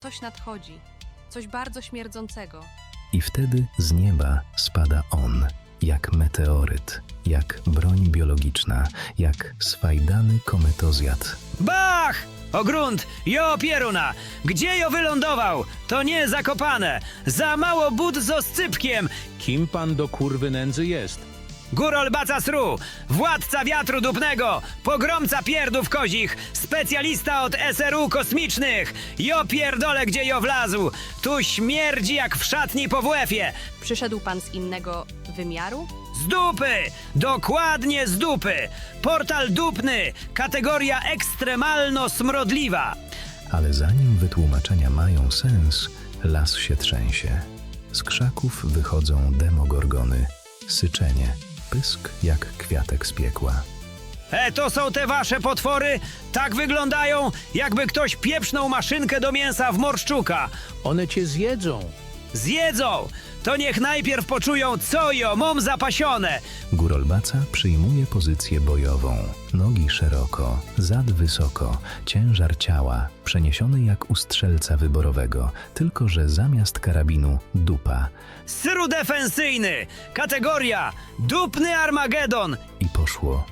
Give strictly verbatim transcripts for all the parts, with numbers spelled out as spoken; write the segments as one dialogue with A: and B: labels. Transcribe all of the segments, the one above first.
A: Coś nadchodzi, coś bardzo śmierdzącego.
B: I wtedy z nieba spada on, jak meteoryt, jak broń biologiczna, jak swajdany kometozjad.
C: Bach! O grunt, jo pieruna! Gdzie jo wylądował? To nie Zakopane! Za mało but z oscypkiem!
D: Kim pan do kurwy nędzy jest?
C: Górol Bacasru, władca wiatru dupnego, pogromca pierdów kozich, specjalista od S R U kosmicznych! Jo pierdole, gdzie jo wlazł! Tu śmierdzi jak w szatni po W F-ie!
A: Przyszedł pan z innego wymiaru?
C: Z dupy! Dokładnie z dupy! Portal dupny, kategoria ekstremalno-smrodliwa.
B: Ale zanim wytłumaczenia mają sens, las się trzęsie. Z krzaków wychodzą demogorgony. Syczenie, pysk jak kwiatek z piekła.
C: E, to są te wasze potwory? Tak wyglądają, jakby ktoś pieprznął maszynkę do mięsa w morszczuka.
D: One cię zjedzą.
C: Zjedzą! To niech najpierw poczują, co jo mam zapasione.
B: Górolbaca przyjmuje pozycję bojową. Nogi szeroko, zad wysoko, ciężar ciała przeniesiony jak u strzelca wyborowego, tylko że zamiast karabinu dupa.
C: Syru defensyjny, kategoria dupny Armagedon.
B: I poszło.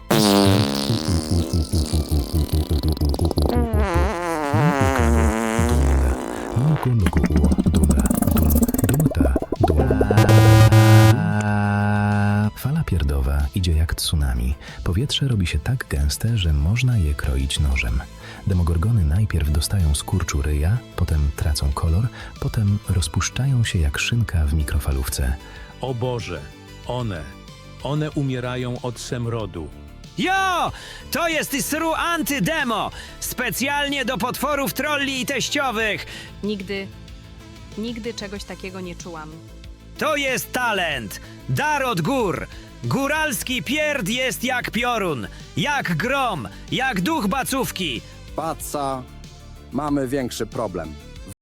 B: Fala pierdowa idzie jak tsunami. Powietrze robi się tak gęste, że można je kroić nożem. Demogorgony najpierw dostają skurczu ryja, potem tracą kolor, potem rozpuszczają się jak szynka w mikrofalówce.
D: O Boże, one. One umierają od semrodu.
C: Jo! To jest Syru Antydemo! Specjalnie do potworów trolli i teściowych.
A: Nigdy, nigdy czegoś takiego nie czułam.
C: To jest talent, dar od gór. Góralski pierd jest jak piorun, jak grom, jak duch bacówki.
E: Paca, mamy większy problem.